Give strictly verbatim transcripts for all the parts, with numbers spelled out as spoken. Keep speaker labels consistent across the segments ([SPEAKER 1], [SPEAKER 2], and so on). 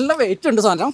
[SPEAKER 1] നല്ല വെയിറ്റ് ഉണ്ട് സാധനം.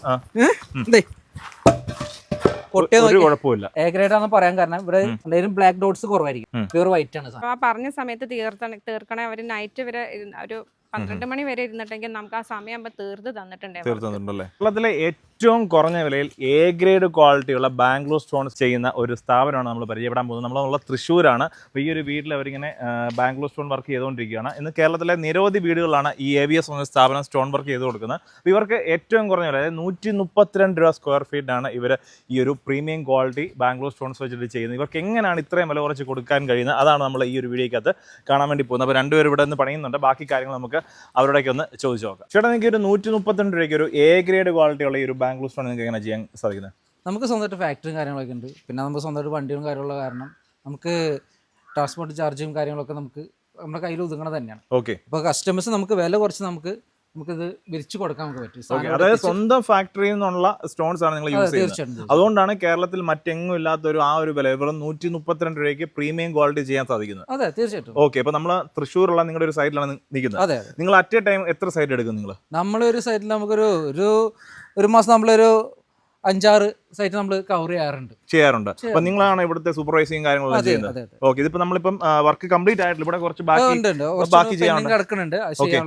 [SPEAKER 1] എ ഗ്രേഡ് ആണെന്ന് പറയാൻ കാരണം ഇവിടെ എന്തെങ്കിലും ബ്ലാക്ക് ഡോട്ട്സ് കുറവായിരിക്കും, പ്യൂർ വൈറ്റ് ആണ് സാധനം.
[SPEAKER 2] ആ പറഞ്ഞ സമയത്ത് തീർത്തണ തീർക്കണേ അവര് നൈറ്റ് വരെ ഒരു പന്ത്രണ്ട് മണി വരെ ഇരുന്നിട്ടെങ്കിൽ നമുക്ക് ആ സമയം തീർത്ത് തന്നിട്ടുണ്ടല്ലേ.
[SPEAKER 3] കേരളത്തിലെ ഏറ്റവും കുറഞ്ഞ വിലയിൽ എ ഗ്രേഡ് ക്വാളിറ്റിയുള്ള ബാംഗ്ലൂർ സ്റ്റോൺസ് ചെയ്യുന്ന ഒരു സ്ഥാപനമാണ് നമ്മൾ പരിചയപ്പെടാൻ പോകുന്നത്. നമ്മളുള്ള തൃശ്ശൂരാണ്. അപ്പോൾ ഈ ഒരു വീട്ടിൽ അവരിങ്ങനെ ബാംഗ്ലൂർ സ്റ്റോൺ വർക്ക് ചെയ്തുകൊണ്ടിരിക്കുകയാണ്. ഇന്ന് കേരളത്തിലെ നിരവധി വീടുകളാണ് ഈ എ വി എസ് എന്ന സ്ഥാപനം സ്റ്റോൺ വർക്ക് ചെയ്ത് കൊടുക്കുന്നത്. അപ്പോൾ ഇവർക്ക് ഏറ്റവും കുറഞ്ഞ വില, അതായത് നൂറ്റി മുപ്പത്തിരണ്ട് രൂപ സ്ക്വയർ ഫീറ്റാണ് ഇവർ ഈ ഒരു പ്രീമിയം ക്വാളിറ്റി ബാംഗ്ലൂർ സ്റ്റോൺസ് വെച്ചിട്ട് ചെയ്യുന്നത്. ഇവർക്ക് എങ്ങനെയാണ് ഇത്രയും വില കുറച്ച് കൊടുക്കാൻ കഴിയുന്നത്, അതാണ് നമ്മൾ ഈ ഒരു വീഡിയോക്കകത്ത് കാണാൻ വേണ്ടി പോകുന്നത്. അപ്പോൾ രണ്ടുപേരും ഇവിടെ നിന്ന് പണിയുന്നുണ്ട്. ബാക്കി കാര്യങ്ങൾ നമുക്ക് അവരോടൊക്കെ ഒന്ന് ചോദിച്ചു നോക്കാം. ചേട്ടാ, നിങ്ങൾക്ക് ഒരു നൂറ്റി മുപ്പത്തിരണ്ട് രൂപയ്ക്ക് ഒരു എ ഗ്രേഡ് ക്വാളിറ്റിയുള്ള ഈ ഒരു ബാംഗ്ലൂർ സ്റ്റോൺ നിങ്ങൾക്ക് എങ്ങനെ ചെയ്യാൻ സാധിക്കുന്നത്?
[SPEAKER 1] നമുക്ക് സ്വന്തമായിട്ട് ഫാക്ടറിയും കാര്യങ്ങളൊക്കെ ഉണ്ട്. പിന്നെ നമുക്ക് സ്വന്തമായിട്ട് വണ്ടിയും കാര്യമുള്ള കാരണം നമുക്ക് ട്രാൻസ്പോർട്ട് ചാർജും കാര്യങ്ങളൊക്കെ നമുക്ക് നമ്മുടെ കയ്യിൽ ഒതുങ്ങണത് തന്നെയാണ്.
[SPEAKER 3] ഓക്കെ.
[SPEAKER 1] അപ്പോൾ കസ്റ്റമേഴ്സ് നമുക്ക് വില കുറച്ച് നമുക്ക് നമുക്കിത് വിരിച്ചു കൊടുക്കാൻ നമുക്ക് പറ്റും.
[SPEAKER 3] അതായത് സ്വന്തം ഫാക്ടറിയിൽ നിന്നുള്ള സ്റ്റോൺസ് ആണ് നിങ്ങൾ യൂസ് ചെയ്യുന്നത്. അതുകൊണ്ടാണ് കേരളത്തിൽ മറ്റെങ്ങും ഇല്ലാത്ത ഒരു ആ ഒരു വില വെറും നൂറ്റി മുപ്പത്തിരണ്ട് രൂപയ്ക്ക് പ്രീമിയം ക്വാളിറ്റി ചെയ്യാൻ സാധിക്കുന്നത്.
[SPEAKER 1] അതെ, തീർച്ചയായിട്ടും.
[SPEAKER 3] ഓക്കെ. അപ്പൊ നമ്മൾ തൃശ്ശൂരുള്ള നിങ്ങളുടെ ഒരു സൈറ്റിലാണ് നിൽക്കുന്നത്.
[SPEAKER 1] അതെ.
[SPEAKER 3] നിങ്ങൾ അറ്റ് എ ടൈം എത്ര സൈറ്റ് എടുക്കും? നിങ്ങൾ
[SPEAKER 1] നമ്മളൊരു സൈറ്റിൽ നമുക്കൊരു ഒരു ഒരു മാസം നമ്മളൊരു അഞ്ചാറ് സൈറ്റ് നമ്മൾ കവർ ചെയ്യാറുണ്ട്
[SPEAKER 3] ചെയ്യാറുണ്ട് അപ്പൊ നിങ്ങളാണ് ഇവിടുത്തെ സൂപ്പർവൈസിങ് കാര്യങ്ങളെല്ലാം ചെയ്യുന്നത്. ഓക്കെ. ഇതിപ്പോ നമ്മളിപ്പം വർക്ക് കംപ്ലീറ്റ് ആയിട്ടില്ല, ഇവിടെ കുറച്ച് ബാക്കി
[SPEAKER 1] കിടക്കുന്നുണ്ട്.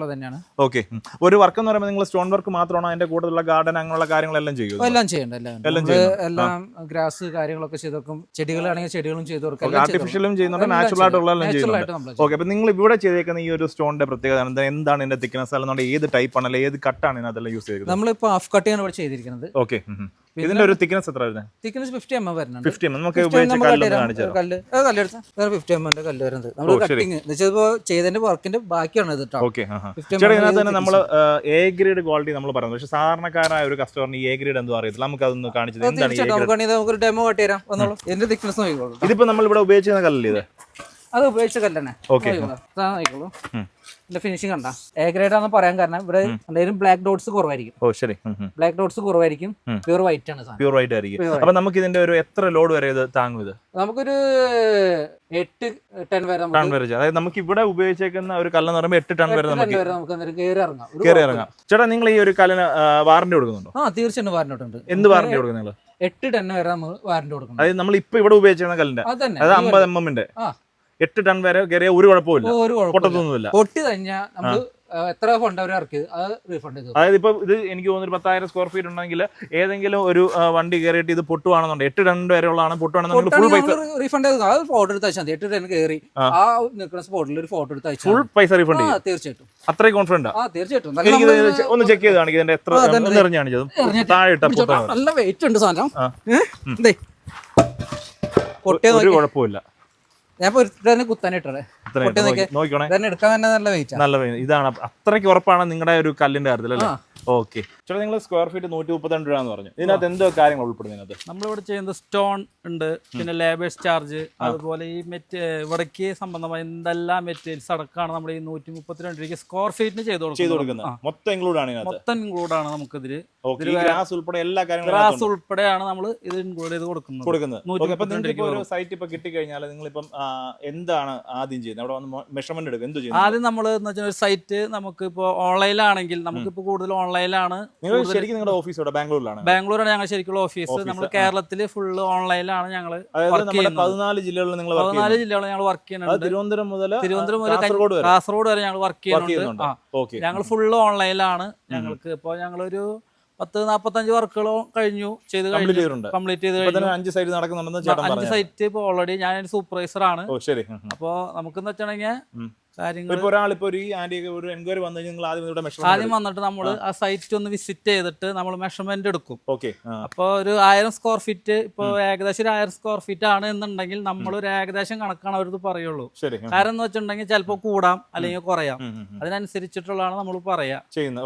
[SPEAKER 3] ഓക്കെ. ഒരു വർക്ക് എന്ന് പറയുമ്പോൾ നിങ്ങൾ സ്റ്റോൺ വർക്ക് മാത്രമാണോ അതിന്റെ കൂടുതലുള്ള ഗാർഡൻ അങ്ങനെയുള്ള കാര്യങ്ങളെല്ലാം ചെയ്യും?
[SPEAKER 1] എല്ലാം ചെയ്യണ്ട, എല്ലാം ഗ്രാസ് കാര്യങ്ങളൊക്കെ ചെയ്ത് കൊടുക്കും. ചെടികളാണെങ്കിൽ ചെടികളും ചെയ്ത് കൊടുക്കും.
[SPEAKER 3] ആർട്ടിഫിഷ്യലും ചെയ്യുന്നുണ്ട്, നാച്ചുറൽ ആയിട്ടുള്ള എല്ലാം ചെയ്യുന്നുണ്ട്. ഓക്കെ. അപ്പൊ നിങ്ങൾ ഇവിടെ ചെയ്തേക്കുന്ന ഈ ഒരു സ്റ്റോണിന്റെ പ്രത്യേകത എന്താണ്? ഇതിന്റെ തിക്നെസ് അല്ലെന്നുണ്ട് ഏത് ടൈപ്പ് ആണ്, അല്ലെങ്കിൽ ഏത് കട്ടാണ് ഇതിനകത്തെല്ലാം യൂസ് ചെയ്തത്?
[SPEAKER 1] നമ്മളിപ്പോ ഹാഫ് കട്ടിയാണ് ഇവിടെ ചെയ്തിരിക്കുന്നത്.
[SPEAKER 3] ഓക്കെ. ഇതിന്റെ ഒരു തിക്നെസ് എത്ര വരുന്നത്?
[SPEAKER 1] തിക്നെസ് ഫിഫ്റ്റി എം എം വരുന്നുണ്ട്.
[SPEAKER 3] ഫിഫ്റ്റി എം നമുക്ക് കല്ല്
[SPEAKER 1] കല്ലെടുത്ത ഫിഫ്റ്റി എം എമ്മിന്റെ കല്ല് വരുന്നത്. നമ്മൾ കട്ടിങ് ചെയ്തതിന്റെ വർക്കിന്റെ ബാക്കിയാണ് ഇത്.
[SPEAKER 3] ഓക്കെ. ഇതിനകത്ത് തന്നെ നമ്മൾ എ ഗ്രേഡ് ക്വാളിറ്റി നമ്മൾ പറയുന്നത്, പക്ഷെ സാധാരണക്കാരായ ഒരു കസ്റ്റമറിന് എ ഗ്രേഡ് എന്തോ അറിയത്തില്ല. നമുക്ക് അതൊന്ന് കാണിച്ചത് എന്താണ്?
[SPEAKER 1] നമുക്ക് ഡെമോ കാട്ടി തരാം. എന്റെ തിക്നെസ് നോക്കിക്കോളൂ.
[SPEAKER 3] ഇതിപ്പോ നമ്മൾ ഇവിടെ ഉപയോഗിച്ചിരുന്ന കല്ലല്ലേ ഇത്?
[SPEAKER 1] അത് ഉപയോഗിച്ച കല്ലാണ്. നോക്കിക്കോളൂ. ഫിനിഷിംഗ് കണ്ട എ ഗ്രേഡ് ആണെന്ന് പറയാൻ കാരണം ഇവിടെ എന്തെങ്കിലും ബ്ലാക്ക് ഡോട്ട്സ് കുറവായിരിക്കും.
[SPEAKER 3] ഓ ശരി.
[SPEAKER 1] ബ്ലാക്ക് ഡോട്ട്സ് കുറവായിരിക്കും, പ്യൂർ വൈറ്റ് ആണ്.
[SPEAKER 3] പ്യൂർ വൈറ്റ് ആയിരിക്കും. അപ്പൊ നമുക്ക് ഇതിന്റെ ഒരു എത്ര ലോഡ് വരെ ഇത് താങ്ങും? ഇത്
[SPEAKER 1] നമുക്കൊരു എട്ട് ടൺ വരെ
[SPEAKER 3] ടൺ വരെ. അതായത് നമുക്ക് ഇവിടെ ഉപയോഗിച്ചേക്കുന്ന ഒരു കല്ലെന്ന് പറയുമ്പോൾ എട്ട് ടൺ വരെ നമുക്ക്
[SPEAKER 1] നമുക്ക് കയറി ഇറങ്ങാം
[SPEAKER 3] കയറി ഇറങ്ങാം. ചേട്ടാ, നിങ്ങൾ ഈ ഒരു കല്ലിന് വാറന്റി കൊടുക്കുന്നുണ്ടോ?
[SPEAKER 1] ആ, തീർച്ചയായിട്ടും വാറന്റി ഉണ്ട്.
[SPEAKER 3] എന്ത് വാറന്റി കൊടുക്കും നിങ്ങൾ?
[SPEAKER 1] എട്ട് ടൺ വരെ നമ്മൾ വാറന്റി കൊടുക്കണം.
[SPEAKER 3] അതായത് നമ്മൾ ഇപ്പൊ ഇവിടെ ഉപയോഗിച്ചിരുന്ന കല്ലിന്റെ അതായത് അമ്പത് എം എമ്മിന്റെ എട്ട് ടൺ വരെ കയറിയ ഒരു കുഴപ്പമില്ല, പൊട്ടത്തൊന്നുമില്ല.
[SPEAKER 1] പൊട്ടി കഴിഞ്ഞാൽ നമ്മൾ എത്ര ഫണ്ട് അവർ ഇറക്കി അത് റീഫണ്ട് ചെയ്തു.
[SPEAKER 3] അതായത് ഇപ്പൊ ഇത് എനിക്ക് തോന്നുന്നു പത്തായിരം സ്ക്വയർ ഫീറ്റ് ഉണ്ടെങ്കിൽ ഏതെങ്കിലും ഒരു വണ്ടി കയറിയിട്ട് ഇത് പൊട്ടുവാണെന്നുണ്ട് എട്ട് ടൺ വരെ ഉള്ളതാണ് പൊട്ടുവാണെന്നുണ്ടെങ്കിൽ ഫുൾ പൈസ
[SPEAKER 1] റീഫണ്ട് ചെയ്തു. അത് ഫോട്ടോ എടുത്ത് അയച്ചാൽ മതി. എട്ട് ടൺ കയറി ആ നിൽക്കുന്ന സ്പോട്ടിൽ ഒരു ഫോട്ടോ എടുത്ത് അയച്ചാൽ
[SPEAKER 3] ഫുൾ പൈസ റീഫണ്ട് ചെയ്യും.
[SPEAKER 1] തീർച്ചയായിട്ടും.
[SPEAKER 3] അത്രയും കോൺഫിഡന്റ്?
[SPEAKER 1] ആ, തീർച്ചയായിട്ടും.
[SPEAKER 3] എനിക്ക് ഒന്ന് ചെക്ക് ചെയ്ത് കാണിക്കും ഇതിന്റെ എത്ര നിറഞ്ഞ് കാണിച്ചത്. താഴെ ഇട്ട
[SPEAKER 1] നല്ല വെയിറ്റ് ഉണ്ട് സാധനം.
[SPEAKER 3] ഒരു കുഴപ്പമില്ല.
[SPEAKER 1] ഞാൻ കുത്താനിട്ടേ എടുക്കാൻ തന്നെ നല്ല വെയിറ്റ്.
[SPEAKER 3] നല്ല വെയിറ്റ്. ഇതാണ് അത്രയ്ക്ക് ഉറപ്പാണ് നിങ്ങളുടെ ഒരു കല്ലിന്റെ കാര്യത്തിൽ അല്ലേ? ഓക്കെ. ചേട്ടാ, നിങ്ങൾ സ്ക്വയർ ഫീറ്റ് നൂറ്റി മുപ്പത്തിരണ്ട് രൂപ എന്ന് പറഞ്ഞു. ഇതിനകത്ത് എന്തോ കാര്യങ്ങൾ ഉൾപ്പെടുന്നത്?
[SPEAKER 4] നമ്മളിവിടെ ചെയ്യുന്നത് സ്റ്റോൺ ഉണ്ട്, പിന്നെ ലേബേഴ്സ് ചാർജ്, അതുപോലെ ഈ മെറ്റ് ഇവിടേക്ക് സംബന്ധമായ എന്തെല്ലാം മെറ്റീരിയൽസ് അടക്കമാണ് നമ്മൾ ഈ നൂറ്റി മുപ്പത്തിരണ്ട് രൂപയ്ക്ക് സ്ക്വയർ ഫീറ്റിന് ചെയ്ത് കൊടുക്കുന്നത്.
[SPEAKER 3] മൊത്തം ഇൻക്ലൂഡ് ആണ്
[SPEAKER 4] മൊത്തം ഇൻക്ലൂഡ് ആണ് നമുക്കിതില്.
[SPEAKER 3] ഗ്രാസ് ഉൾപ്പെടെ എല്ലാ കാര്യങ്ങളും
[SPEAKER 4] ഗ്രാസ് ഉൾപ്പെടെയാണ് നമ്മൾ ഇത് ഇൻക്ലൂഡ് ചെയ്ത് കൊടുക്കുന്നത്.
[SPEAKER 3] സൈറ്റ് ഇപ്പൊ കിട്ടിക്കഴിഞ്ഞാൽ നിങ്ങളിപ്പം എന്താണ് ആദ്യം ചെയ്യുന്നത്? അവിടെ വന്ന് മെഷർമെന്റ് എടുക്കും. എന്ത് ചെയ്യും
[SPEAKER 4] ആദ്യം നമ്മൾ എന്ന് വെച്ചാൽ ഒരു സൈറ്റ് നമുക്ക് ഇപ്പൊ ഓൺലൈനിലാണെങ്കിൽ നമുക്കിപ്പോ കൂടുതൽ ഓൺലൈനിലാണ്.
[SPEAKER 3] ശരിക്കും നിങ്ങളുടെ ഓഫീസ് ഇവിടെ ബാംഗ്ലൂരിലാണ്?
[SPEAKER 4] ബാംഗ്ലൂരാണ് ഞങ്ങൾ ശരിക്കുള്ള ഓഫീസ്. നമ്മൾ കേരളത്തില് ഫുള്ള് ഓൺലൈനിലാണ് ഞങ്ങൾ
[SPEAKER 3] പതിനാല് ജില്ലകളിൽ നിങ്ങൾ
[SPEAKER 4] പതിനാല് ജില്ലകളിൽ ഞങ്ങൾ വർക്ക് ചെയ്യുന്നുണ്ട്.
[SPEAKER 3] തിരുവനന്തപുരം മുതൽ
[SPEAKER 4] തിരുവനന്തപുരം മുതൽ കാസർഗോഡ് വരെ ഞങ്ങൾ വർക്ക് ചെയ്യുന്നുണ്ട്. ഞങ്ങൾ ഫുള്ള് ഓൺലൈനിലാണ്. ഞങ്ങൾക്ക് ഇപ്പൊ ഞങ്ങളൊരു പത്ത് നാപ്പത്തഞ്ച് വർക്കുകളോ കഴിഞ്ഞു ചെയ്ത് കംപ്ലീറ്റ് ചെയ്ത് കഴിഞ്ഞു.
[SPEAKER 3] അഞ്ച് സൈറ്റ് നടക്കുന്നുണ്ടെന്ന്
[SPEAKER 4] അഞ്ച് സൈറ്റ് ഇപ്പൊ ഓൾറെഡി ഞാൻ സൂപ്പർവൈസർ ആണ്. അപ്പൊ നമുക്കെന്ന് വെച്ചിട്ടുണ്ടെങ്കിൽ ആദ്യം വന്നിട്ട് നമ്മൾ ആ സൈറ്റ് ഒന്ന് വിസിറ്റ് ചെയ്തിട്ട് നമ്മൾ മെഷർമെന്റ് എടുക്കും. അപ്പൊ ഒരു ആയിരം സ്ക്വയർ ഫീറ്റ് ഇപ്പൊ ഏകദേശം ഒരു ആയിരം സ്ക്വയർ ഫീറ്റ് ആണ് എന്നുണ്ടെങ്കിൽ നമ്മൾ ഒരു ഏകദേശം കണക്കാണ് അവരത് പറയുള്ളൂ. കാരണം എന്ന് വെച്ചിട്ടുണ്ടെങ്കിൽ ചിലപ്പോൾ കൂടാം അല്ലെങ്കിൽ കുറയാം. അതിനനുസരിച്ചിട്ടുള്ളതാണ് നമ്മൾ പറയാ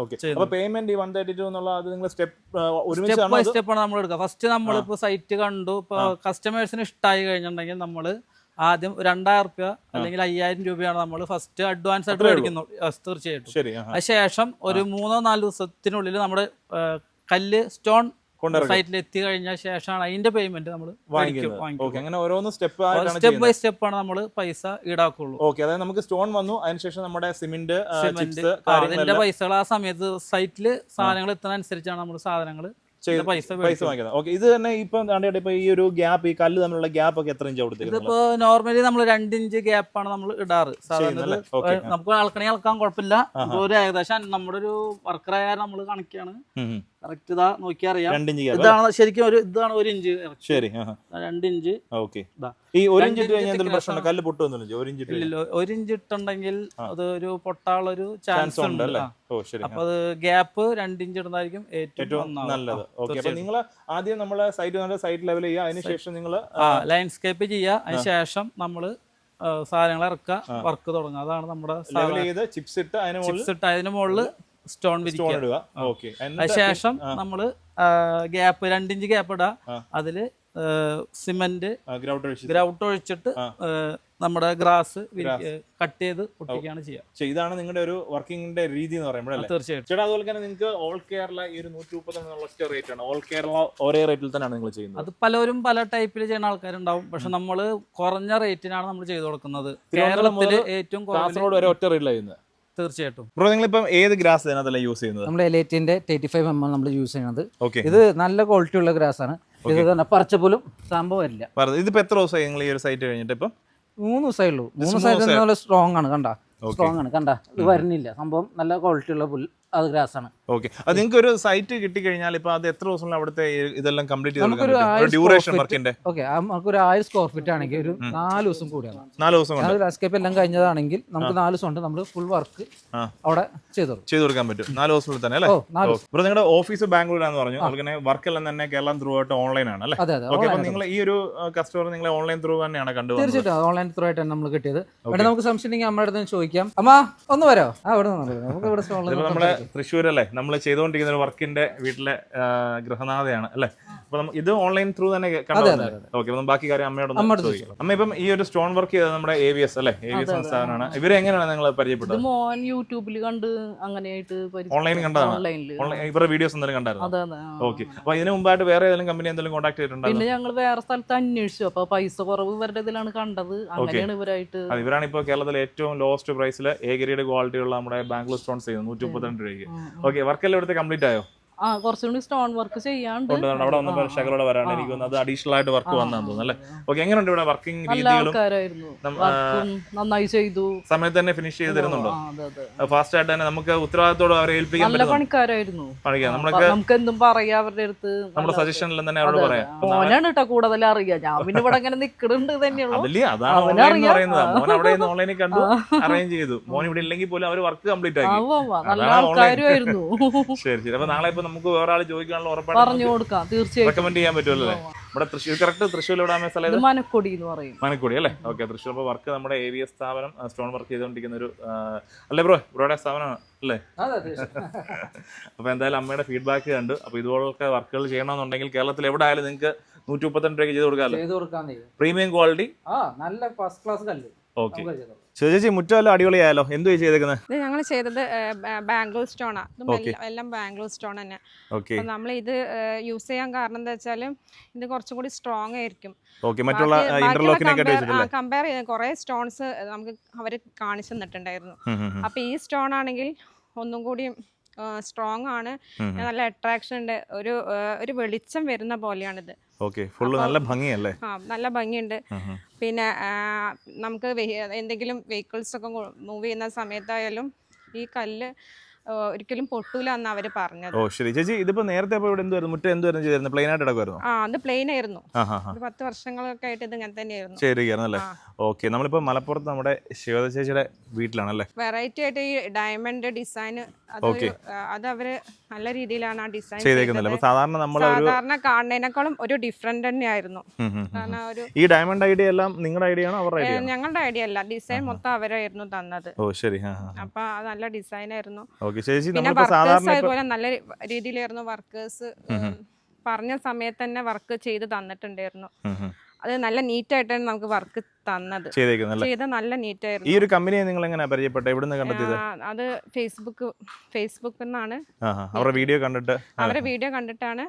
[SPEAKER 4] സ്റ്റെപ്പ് ബൈ സ്റ്റെപ്പ് ആണ് നമ്മൾ എടുക്കുക. ഫസ്റ്റ് നമ്മളിപ്പോ സൈറ്റ് കണ്ടു, ഇപ്പൊ കസ്റ്റമേഴ്സിന് ഇഷ്ടമായി കഴിഞ്ഞിട്ടുണ്ടെങ്കിൽ നമ്മള് ആദ്യം രണ്ടായിരം റുപ്യ അല്ലെങ്കിൽ അയ്യായിരം രൂപയാണ് നമ്മൾ ഫസ്റ്റ് അഡ്വാൻസ് ആയിട്ട് മേടിക്കുന്നു. തീർച്ചയായിട്ടും. അതിനുശേഷം ഒരു മൂന്നോ നാല് ദിവസത്തിനുള്ളിൽ നമ്മുടെ കല്ല് സ്റ്റോൺ സൈറ്റിൽ എത്തി കഴിഞ്ഞ ശേഷമാണ് അതിന്റെ പേയ്മെന്റ് നമ്മൾ
[SPEAKER 3] വാങ്ങിക്കുന്നത്. അങ്ങനെ ഓരോന്ന് സ്റ്റെപ്പ് ആയിട്ടാണ്
[SPEAKER 4] സ്റ്റെപ്പ് ബൈ സ്റ്റെപ്പ് ആണ് നമ്മൾ പൈസ ഈടാക്കുള്ളൂ.
[SPEAKER 3] ഓക്കെ, അതായത് നമുക്ക് സ്റ്റോൺ വന്നു, അതിനുശേഷം നമ്മുടെ സിമെന്റ്
[SPEAKER 4] അതിന്റെ പൈസകൾ ആ സമയത്ത് സൈറ്റില് സാധനങ്ങൾ എത്തുന്ന അനുസരിച്ചാണ് നമ്മൾ സാധനങ്ങൾ
[SPEAKER 3] പൈസ വാങ്ങിക്കുന്നത്. ഓക്കെ, ഇത് തന്നെ ഇപ്പൊ ഇപ്പൊ ഈ ഒരു ഗ്യാപ്പ്, ഈ കല്ല് തമ്മിലുള്ള ഗ്യാപ്പ് ഒക്കെ എത്ര ഇഞ്ച് കൊടുത്തിരിക്കുന്നത്?
[SPEAKER 4] ഇതിപ്പോ നോർമലി നമ്മൾ രണ്ട് ഇഞ്ച് ഗ്യാപ്പാണ് നമ്മൾ ഇടാറ് സാധാരണ. നമുക്ക് അളക്കണേ അളക്കാൻ കുഴപ്പമില്ല. ഒരു ഏകദേശം നമ്മുടെ ഒരു വർക്കറായ നമ്മൾ കണക്കാണ് കറക്റ്റ്. ഇതാ നോക്കി അറിയാം, ഇതാണ് ശരിക്കും ഒരു ഇതാണ് ഒരു ഇഞ്ച്.
[SPEAKER 3] ശരി,
[SPEAKER 4] രണ്ട് ഇഞ്ച്.
[SPEAKER 3] ഓക്കെ, ഈ ഒരു ഇഞ്ച് ഇട്ട് കഴിഞ്ഞാൽ എന്തെങ്കിലും പ്രശ്നമുണ്ടോ? കല്ല് പൊട്ടുന്നില്ല? ഒരു ഇഞ്ച്
[SPEAKER 4] ഇല്ലല്ലോ, ഒരു ഇഞ്ച് ഇട്ടുണ്ടെങ്കിൽ അത് ഒരു പൊട്ടാളൊരു ചാൻസ് ഉണ്ട്.
[SPEAKER 3] ഓ ശരി,
[SPEAKER 4] അപ്പൊ അത് ഗ്യാപ്പ് രണ്ട് ഇഞ്ച് ഇടുന്നതായിരിക്കും ഏറ്റവും
[SPEAKER 3] നല്ലത്. ഓക്കെ, അപ്പൊ നിങ്ങൾ ആദ്യം നമ്മളെ സൈറ്റ് സൈറ്റ് ലെവൽ ചെയ്യുക, അതിനുശേഷം നിങ്ങൾ
[SPEAKER 4] ലൈൻസ്കേപ്പ് ചെയ്യുക, അതിനുശേഷം നമ്മള് സാധനങ്ങൾ ഇറക്കുക, വർക്ക് തുടങ്ങുക. അതാണ് നമ്മുടെ
[SPEAKER 3] ചിപ്സ് ഇട്ട്
[SPEAKER 4] ചിപ്സ് ഇട്ട് അതിന് മുകളിൽ സ്റ്റോൺ വിരിക്കുക. അതിനുശേഷം നമ്മള് ഗ്യാപ്പ് രണ്ടിഞ്ച് ഗ്യാപ്പ് ഇടുക, അതില് സിമെന്റ് ഗ്രൗട്ട് ഒഴിച്ചിട്ട് നമ്മുടെ ഗ്രാസ് കട്ട് ചെയ്ത് പൊട്ടിക്കുകയാണ് ചെയ്യുക.
[SPEAKER 3] ഇതാണ് നിങ്ങളുടെ ഒരു വർക്കിംഗിന്റെ രീതി എന്ന് പറയുമ്പോൾ.
[SPEAKER 4] തീർച്ചയായിട്ടും
[SPEAKER 3] ചേട്ടാ, അതുപോലെ തന്നെ നിങ്ങൾക്ക് ഓൾ കേരള ഈ ഒരു നൂറ്റി മുപ്പത്തി റേറ്റ് ആണ്. ഓൾ കേരള ഒരേ റേറ്റിൽ തന്നെയാണ് നിങ്ങൾ ചെയ്യുന്നത്?
[SPEAKER 4] അത് പലരും പല ടൈപ്പിൽ ചെയ്യുന്ന ആൾക്കാരുണ്ടാവും. പക്ഷെ നമ്മൾ കുറഞ്ഞ റേറ്റിനാണ് നമ്മൾ ചെയ്തു കൊടുക്കുന്നത്. കേരളത്തില് ഏറ്റവും
[SPEAKER 3] കാസർഗോഡ് വരെ ഒറ്റ റേറ്റിലാണ് ചെയ്യുന്നത്.
[SPEAKER 4] തീർച്ചയായിട്ടും.
[SPEAKER 3] ബ്രോ, നിങ്ങളിപ്പം ഏത് ഗ്രാസ് ഇതിനകത്തല്ല യൂസ് ചെയ്യുന്നത്?
[SPEAKER 1] നമ്മൾ എലൈറ്റിന്റെ തേർട്ടി ഫൈവ് എം എൽ നമ്മൾ യൂസ് ചെയ്യുന്നത്. ഇത് നല്ല ക്വാളിറ്റി ഉള്ള ഗ്രാസ് ആണ്. ഇത് തന്നെ പറിച്ച പോലും സംഭവം വരില്ല.
[SPEAKER 3] ഇതിപ്പോ എത്ര ദിവസമായി നിങ്ങൾ ഈ ഒരു സൈറ്റ് കഴിഞ്ഞിട്ട്? ഇപ്പം
[SPEAKER 1] മൂന്ന് ദിവസമേ ഉള്ളൂ. മൂന്ന് ദിവസം നല്ല സ്ട്രോങ് ആണ്. കണ്ട സ്ട്രോങ് ആണ്, കണ്ട ഇത് വരുന്നില്ല സംഭവം. നല്ല ക്വാളിറ്റി ഉള്ള പുൽ അത് ഗ്രാസ് ആണ്.
[SPEAKER 3] ഓക്കെ, അത് നിങ്ങൾക്ക് ഒരു സൈറ്റ് കിട്ടിക്കഴിഞ്ഞാൽ ഇപ്പൊ അത് എത്ര ദിവസം അവിടുത്തെ ഇതെല്ലാം കംപ്ലീറ്റ് ചെയ്ത് ഡ്യൂറേഷൻ വർക്കിന്റെ?
[SPEAKER 1] ഓക്കെ, നമുക്ക് ഒരു ആയിരം സ്ക്വയർ ഫീറ്റ് ആണെങ്കിൽ ഒരു നാല് ദിവസം കൂടിയാണ്.
[SPEAKER 3] നാല് ദിവസം കൊണ്ട്
[SPEAKER 1] ലാൻഡ്സ്കേപ്പ് എല്ലാം കഴിഞ്ഞതാണെങ്കിൽ നമുക്ക് നാല് ദിവസം കൊണ്ട് നമ്മൾ ഫുൾ വർക്ക് അവിടെ ചെയ്തു
[SPEAKER 3] ചെയ്തു കൊടുക്കാൻ പറ്റും. നാല് ദിവസത്തിൽ തന്നെ അല്ലേ? ഇവിടെ നിങ്ങളുടെ ഓഫീസ് ബാംഗ്ലൂരാന്ന് പറഞ്ഞു. അതുപോലെ വർക്ക് എല്ലാം തന്നെ കേരളം ത്രൂ ആയിട്ട് ഓൺലൈൻ ആണ് അല്ലേ? ഓക്കെ, അപ്പൊ നിങ്ങൾ ഈ ഒരു കസ്റ്റമർ നിങ്ങളെ ഓൺലൈൻ ത്രൂ തന്നെയാണ് കണ്ടു?
[SPEAKER 1] തീർച്ചയായിട്ടും ഓൺലൈൻ ത്രൂ ആയിട്ടാണ് നമ്മൾ കിട്ടിയത്. ഇവിടെ നമുക്ക് സംശയം ഉണ്ടെങ്കിൽ നമ്മുടെ അടുത്ത് ചോദിക്കാം. അമ്മ ഒന്ന് വരോ? ആ, ഇവിടെ നമുക്ക് ഇവിടെ
[SPEAKER 3] നമ്മുടെ തൃശ്ശൂർ അല്ലേ നമ്മൾ ചെയ്തുകൊണ്ടിരിക്കുന്ന ഒരു വർക്കിന്റെ വീട്ടിലെ ഗൃഹനാഥയാണ് അല്ലേ? അപ്പൊ ഇത് ഓൺലൈൻ ത്രൂ തന്നെ ഓക്കെ. ബാക്കി കാര്യം അമ്മയോട് ചോദിക്കാം. അമ്മ ഇപ്പം ഈ ഒരു സ്റ്റോൺ വർക്ക് ചെയ്തത് നമ്മുടെ എ വി എസ് അല്ലേ? എ വി എസ് സ്ഥാപനമാണ്. ഇവരെ എങ്ങനെയാണ് നിങ്ങൾ പരിചയപ്പെട്ടത്?
[SPEAKER 5] മോൻ യൂട്യൂബിൽ കണ്ട് അങ്ങനെയായിട്ട്
[SPEAKER 3] ഓൺലൈൻ കണ്ടതാണ്. ഇവരുടെ വീഡിയോസ് എന്തെങ്കിലും കണ്ടായിരുന്നു? ഓക്കെ, അപ്പൊ ഇതിന് മുമ്പായിട്ട് വേറെ ഏതെങ്കിലും കമ്പനി എന്തെങ്കിലും കോൺടാക്ട് ചെയ്തിട്ടുണ്ടോ?
[SPEAKER 5] പിന്നെ ഞങ്ങൾ വേറെ സ്ഥലത്ത് അന്വേഷിച്ചു. അപ്പൊ പൈസ കുറവ് ഇവരുടെ ഇതിലാണ് കണ്ടത്. അങ്ങനെയാണ് ഇവരായിട്ട്.
[SPEAKER 3] ഇവരാണ് ഇപ്പോൾ കേരളത്തിലെ ഏറ്റവും ലോവസ്റ്റ് പ്രൈസിൽ എ ഗ്രേഡ് ക്വാളിറ്റി ഉള്ള നമ്മുടെ ബാംഗ്ലൂർ സ്റ്റോൺസ് ചെയ്യുന്നത് നൂറ്റി മുപ്പത്തിരണ്ട് രൂപയ്ക്ക്. ഓക്കെ, വർക്കെല്ലാം ഇവിടുത്തെ കംപ്ലീറ്റ് ആയോ?
[SPEAKER 5] ആ, കുറച്ചുകൂടി സ്റ്റോൺ വർക്ക് ചെയ്യാണ്ട്
[SPEAKER 3] അവിടെ വന്നപ്പോൾ ശകലോടെ വരാണ് എനിക്ക് തോന്നുന്നത്. അത് അഡീഷണൽ ആയിട്ട് വർക്ക് വന്നാന്ന് തോന്നുന്നു അല്ലേ? ഓക്കെ, എങ്ങനെയുണ്ട് ഇവിടെ വർക്കിംഗ് രീതികളും?
[SPEAKER 5] നന്നായി ചെയ്തു.
[SPEAKER 3] സമയത്ത് തന്നെ ഫിനിഷ് ചെയ്ത് തരുന്നുണ്ടോ? ഫാസ്റ്റ് ആയിട്ട് തന്നെ നമുക്ക് ഉത്തരവാദിത്തോടെ അവരെ ഏൽപ്പിക്കാൻ
[SPEAKER 5] നല്ല പണിക്കാരായിരുന്നു. നമുക്ക് എന്തും പറയാം അവരുടെ അടുത്ത്.
[SPEAKER 3] നമ്മുടെ സജഷനിൽ തന്നെ അവരോട് പറയാം.
[SPEAKER 5] മോനാണ് കേട്ടോ കൂടുതൽ അറിയാം. ഞാൻ പിന്നെ ഇവിടെ അങ്ങനെ നിൽക്കുന്നുണ്ട് തന്നെയുള്ളൂ.
[SPEAKER 3] മോൻ അവിടെ ഓൺലൈനിൽ കണ്ടു, അറേഞ്ച് ചെയ്തു. മോൻ ഇവിടെ ഇല്ലെങ്കിൽ പോലും അവർ വർക്ക് കംപ്ലീറ്റ് ആക്കി.
[SPEAKER 5] നല്ല ആൾക്കാരുമായിരുന്നു.
[SPEAKER 3] ശരി ശരി. അപ്പൊ നാളെ ഇപ്പൊ നമുക്ക് വേറെ ആൾ ചോദിക്കാനുള്ള ഉറപ്പാണ്
[SPEAKER 5] പറഞ്ഞു കൊടുക്കാം. തീർച്ചയായും
[SPEAKER 3] റെക്കമെൻഡ് ചെയ്യാൻ പറ്റുമല്ലോ അല്ലേ? ഇവിടെ തൃശ്ശൂർ കറക്റ്റ് തൃശ്ശൂർ എവിടെ സ്ഥലം?
[SPEAKER 5] മനക്കൊടി എന്ന് പറയും.
[SPEAKER 3] മനക്കൊടി അല്ലേ? ഓക്കെ, തൃശ്ശൂർ. അപ്പോൾ വർക്ക് നമ്മുടെ എ വി എസ് സ്ഥാപനം സ്റ്റോൺ വർക്ക് ചെയ്തുകൊണ്ടിരിക്കുന്ന ഒരു അല്ലേ ബ്രോ? ബ്രോയുടെ സ്ഥാപനമാണ് അല്ലേ? അപ്പോൾ എന്തായാലും അമ്മയുടെ ഫീഡ്ബാക്ക് കണ്ടു. അപ്പോൾ ഇതുപോലൊക്കെ വർക്കുകൾ ചെയ്യണമെന്നുണ്ടെങ്കിൽ കേരളത്തിൽ എവിടെ ആയാലും നിങ്ങൾക്ക് നൂറ്റി മുപ്പത്തിരണ്ട് രൂപയ്ക്ക് ചെയ്ത് കൊടുക്കാമല്ലോ. പ്രീമിയം ക്വാളിറ്റി,
[SPEAKER 1] നല്ല ഫസ്റ്റ് ക്ലാസ് കല്ല്.
[SPEAKER 3] ഓക്കെ ചേച്ചി, മുറ്റമല്ലോ അടിപൊളിയായാലോ? എന്തു ചെയ്തേക്കുന്നത്?
[SPEAKER 2] ഇത് ഞങ്ങൾ ചെയ്തത് ബാംഗ്ലൂർ സ്റ്റോണാ. എല്ലാം ബാംഗ്ലൂർ സ്റ്റോൺ തന്നെ. നമ്മൾ ഇത് യൂസ് ചെയ്യാൻ കാരണം എന്താ വെച്ചാൽ ഇത് കുറച്ചും കൂടി സ്ട്രോങ് ആയിരിക്കും. കമ്പയർ ചെയ്ത് കുറെ സ്റ്റോൺസ് നമുക്ക് അവര് കാണിച്ചു തന്നിട്ടുണ്ടായിരുന്നു. അപ്പൊ ഈ സ്റ്റോൺ ആണെങ്കിൽ ഒന്നും കൂടി സ്ട്രോങ് ആണ്, നല്ല അട്രാക്ഷൻ ഉണ്ട്, ഒരു ഒരു വെളിച്ചം വരുന്ന പോലെയാണിത്.
[SPEAKER 3] നല്ല ഭംഗിയല്ലേ?
[SPEAKER 2] ആ, നല്ല ഭംഗിയുണ്ട്. പിന്നെ നമുക്ക് എന്തെങ്കിലും വെഹിക്കിൾസ് ഒക്കെ മൂവ് ചെയ്യുന്ന സമയത്തായാലും ഈ കല്ല് ഒരിക്കലും പൊട്ടൂല എന്ന് അവര് പറഞ്ഞത്.
[SPEAKER 3] ഓ ശരി ചേച്ചി. ഇതിപ്പോ നേരത്തെ മുറ്റം എന്തുവായിരുന്നു ചെയ്തിരുന്നത്? പ്ലെയിൻ ആയിട്ട് കിടക്കുമായിരുന്നു?
[SPEAKER 2] ആ, അത് പ്ലെയിൻ ആയിരുന്നു. പത്ത് വർഷങ്ങളൊക്കെ ആയിട്ട് ഇത് ഇങ്ങനെ തന്നെയായിരുന്നു.
[SPEAKER 3] ശരിയായിരുന്നല്ലേ? ഓക്കെ, നമ്മളിപ്പോ മലപ്പുറത്ത് നമ്മുടെ ശിവദ ചേച്ചിയുടെ വീട്ടിലാണല്ലേ?
[SPEAKER 2] വെറൈറ്റി ആയിട്ട് ഈ ഡയമണ്ട് ഡിസൈൻ അത് അവര് നല്ല രീതിയിലാണ് ആ ഡിസൈൻ
[SPEAKER 3] ചെയ്തേക്കുന്നത്. സാധാരണ നമ്മൾ
[SPEAKER 2] സാധാരണ കാണുന്നതിനേക്കാളും ഒരു ഡിഫറെന്റ് തന്നെയായിരുന്നു.
[SPEAKER 3] ഈ ഡയമണ്ട് ഐഡിയ എല്ലാം നിങ്ങളുടെ ഐഡിയ ആണോ അവരുടെ ഐഡിയ?
[SPEAKER 2] ഞങ്ങളുടെ ഐഡിയ അല്ല, ഡിസൈൻ മൊത്തം അവരായിരുന്നു തന്നത്.
[SPEAKER 3] ഓ ശരി.
[SPEAKER 2] അപ്പൊ അത് നല്ല ഡിസൈൻ ആയിരുന്നു.
[SPEAKER 3] പിന്നെ
[SPEAKER 2] വർക്കേഴ്സ് അതുപോലെ നല്ല രീതിയിലായിരുന്നു. വർക്കേഴ്സ് പറഞ്ഞ സമയത്ത് തന്നെ വർക്ക് ചെയ്ത് തന്നിട്ടുണ്ടായിരുന്നു. അത് നല്ല നീറ്റ് ആയിട്ടാണ് നമുക്ക് വർക്ക് തന്നത്. ചെയ്ത നല്ല നീറ്റ് ആയിരുന്നു.
[SPEAKER 3] ഈ ഒരു കമ്പനിയെ നിങ്ങൾ എങ്ങനെ പരിചയപ്പെട്ടത്? എവിടുന്ന് കണ്ടെത്തിയത്?
[SPEAKER 2] അത് ഫേസ്ബുക്ക് ഫേസ്ബുക്കിൽ നിന്നാണ്.
[SPEAKER 3] അവരുടെ വീഡിയോ കണ്ടിട്ട്
[SPEAKER 2] അവരുടെ വീഡിയോ കണ്ടിട്ടാണ്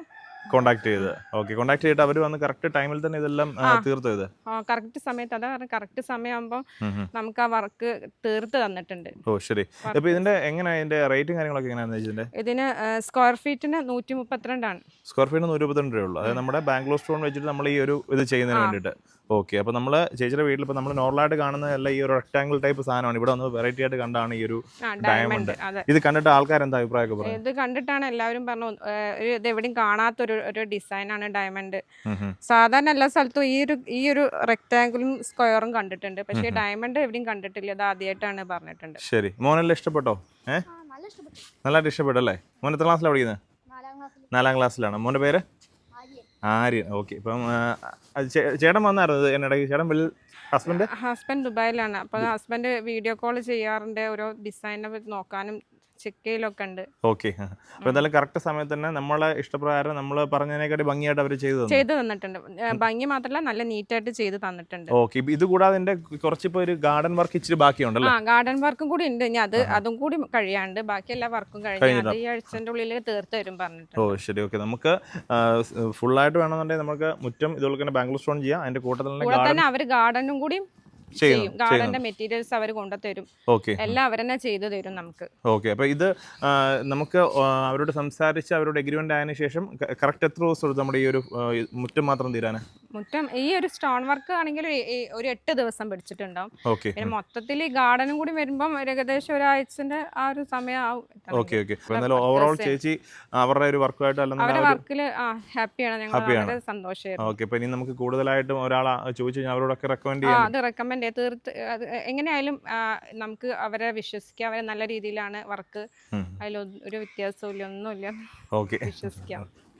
[SPEAKER 3] കോൺടാക്ട് ചെയ്ത് ഓക്കെ കോൺടാക്ട് ചെയ്തിട്ട് അവർ വന്ന് കറക്റ്റ് ടൈമിൽ തന്നെ ഇതെല്ലാം ആ, തീർത്തോ ഇത്
[SPEAKER 2] കറക്റ്റ് സമയത്ത് അതാ കറക്റ്റ് സമയമാകുമ്പോൾ നമുക്ക് ആ വർക്ക് തീർത്ത് തന്നിട്ടുണ്ട്.
[SPEAKER 3] ഓ ശരി. അപ്പോൾ ഇതിന്റെ എങ്ങനെയാണ് ഇതിന്റെ റേറ്റും കാര്യങ്ങളൊക്കെ എങ്ങനെയാണെന്ന് വെച്ചിട്ടുണ്ടെങ്കിൽ
[SPEAKER 2] ഇതിന് സ്ക്വയർ ഫീറ്റിന് നൂറ്റി മുപ്പത്തിരണ്ടാണ്.
[SPEAKER 3] സ്ക്വയർ ഫീറ്റ് നൂറ്റി ഇരുപത്തിരണ്ട് രൂപയുള്ളൂ. അതായത് നമ്മുടെ ബാംഗ്ലൂർ സ്റ്റോൺ വെച്ചിട്ട് നമ്മൾ ഈ ഒരു ഇത് ചെയ്യുന്നതിന് വേണ്ടിയിട്ട്. ഓക്കെ. അപ്പോൾ നമ്മൾ ചേച്ചിയുടെ വീട്ടിൽ ഇപ്പോൾ നമ്മൾ നോർമലായിട്ട് കാണുന്നതല്ല ഈ ഒരു റെക്ടാംഗിൾ ടൈപ്പ് സാധനമാണ്. ഇവിടെ വന്ന് വെറൈറ്റി ആയിട്ട് കണ്ടാണ് ഈ ഒരു ഡയമണ്ട്. ഇത് കണ്ടിട്ട് ആൾക്കാർ എന്താ അഭിപ്രായമൊക്കെ പറയും?
[SPEAKER 2] ഇത് കണ്ടിട്ടാണ് എല്ലാവരും പറഞ്ഞു ഒരു ഇത് എവിടെയും കാണാത്തൊരു ഒരു ഡിസൈനാണ് ഡയമണ്ട്. സാധാരണ എല്ലാ സ്ഥലത്തും ഈ ഒരു ഈ ഒരു റെക്ടാംഗിളും സ്ക്വയറും കണ്ടിട്ടുണ്ട്, പക്ഷേ ഡയമണ്ട് എവിടെയും കണ്ടിട്ടില്ല. ഇത് ആദ്യമായിട്ടാണ് പറഞ്ഞിട്ടുണ്ട്.
[SPEAKER 3] ശരി. മോനെല്ലാം ഇഷ്ടപ്പെട്ടോ? ഏഹ് നല്ലതായിട്ട് ഇഷ്ടപ്പെട്ടല്ലേ? മോൻ എത്ര ക്ലാസ്സിലാണ് പഠിക്കുന്നത്? നാലാം ക്ലാസ്സിലാണ്. മോൻ്റെ പേര് ആര്യൻ. ഓക്കെ. ഇപ്പം ചേട്ടൻ വന്നായിരുന്നു എന്നിടയ്ക്ക്? ചേട്ടൻ വലിയ ഹസ്ബൻഡ്
[SPEAKER 2] ഹസ്ബൻഡ് ദുബായിലാണ്. അപ്പോൾ ഹസ്ബൻഡ് വീഡിയോ കോൾ ചെയ്യാറുണ്ട്, ഓരോ ഡിസൈനെ നോക്കാനും ചെക്ക് ചെയ്യലൊക്കെ ഉണ്ട്.
[SPEAKER 3] ഓക്കെ. അപ്പോൾ എന്തായാലും കറക്റ്റ് സമയത്ത് തന്നെ നമ്മളെ ഇഷ്ടപ്രകാരം നമ്മൾ പറഞ്ഞതിനെക്കാട്ടി ഭംഗിയായിട്ട് അവർ ചെയ്തു
[SPEAKER 2] ചെയ്തു തന്നിട്ടുണ്ട്. ഭംഗി മാത്രമല്ല നല്ല നീറ്റായിട്ട് ചെയ്ത് തന്നിട്ടുണ്ട്.
[SPEAKER 3] ഓക്കെ. ഇത് കൂടാതെ എൻ്റെ കുറച്ചിപ്പോൾ ഒരു ഗാർഡൻ വർക്ക് ഇച്ചിരി ബാക്കിയുണ്ടല്ലോ?
[SPEAKER 2] ആ ഗാർഡൻ വർക്കും കൂടി ഉണ്ട്. ഇനി അത് അതും കൂടി കഴിയാണ്ട് ബാക്കി എല്ലാ വർക്കും കഴിഞ്ഞു. അത് ഈ ആഴ്ചൻ്റെ ഉള്ളിൽ തീർത്ത് വരും പറഞ്ഞിട്ടുണ്ട്.
[SPEAKER 3] ഓ ശരി. ഓക്കെ. നമുക്ക് ഫുള്ളായിട്ട് വേണമെന്നുണ്ടെങ്കിൽ നമുക്ക് മുറ്റം ഇതുപോലെ തന്നെ ബാംഗ്ലൂർ സ്റ്റോൺ ചെയ്യാം. അതിൻ്റെ കൂട്ടത്തിൽ
[SPEAKER 2] തന്നെ അവർ ഗാർഡനും കൂടി ചെയ്യും. ഗാർഡന്റെ മെറ്റീരിയൽസ് അവർ കൊണ്ടുതരും. എല്ലാം അവർ തന്നെ ചെയ്തു തരും നമുക്ക്.
[SPEAKER 3] ഓക്കെ. അപ്പോൾ ഇത് നമുക്ക് അവരോട് സംസാരിച്ച് അവരോട് എഗ്രിമെന്റ് ആയതിനു ശേഷം കറക്റ്റ് എത്ര ദിവസം എടുത്ത് നമ്മുടെ ഈ ഒരു മുറ്റം മാത്രം തീരാൻ?
[SPEAKER 2] മുറ്റം ഈ ഒരു സ്റ്റോൺ വർക്ക് ആണെങ്കിൽ ഒരു എട്ട് ദിവസം പിടിച്ചിട്ടുണ്ടാവും.
[SPEAKER 3] ഓക്കെ.
[SPEAKER 2] പിന്നെ മൊത്തത്തിൽ ഈ ഗാർഡനും കൂടി വരുമ്പോൾ ഏകദേശം ഒരാഴ്ചന്റെ ആ ഒരു സമയം ആവും.
[SPEAKER 3] ഓക്കെ. ഓക്കെ. എന്നാലും ഓവറോൾ ചേച്ചി അവരുടെ ഒരു വർക്കുമായിട്ട്
[SPEAKER 2] അവരുടെ വർക്കിൽ ഹാപ്പിയാണ്. ഞങ്ങൾ വളരെ സന്തോഷമായിരുന്നു.
[SPEAKER 3] ഓക്കെ. അപ്പോൾ ഇനി നമുക്ക് കൂടുതലായിട്ടും ഒരാൾ ചോദിച്ചു കഴിഞ്ഞാൽ അവരോടൊക്കെ റെക്കമെൻഡ് ചെയ്യാം.
[SPEAKER 2] അത് റെക്കമെൻഡ് ചെയ്ത് തീർത്ത് അത് എങ്ങനെയായാലും നമുക്ക് അവരെ വിശ്വസിക്കാം. അവരെ നല്ല രീതിയിലാണ് വർക്ക്, അതിൽ ഒരു വ്യത്യാസവും ഇല്ല, ഒന്നുമില്ല,
[SPEAKER 3] ഓക്കെ
[SPEAKER 2] വിശ്വസിക്കാം.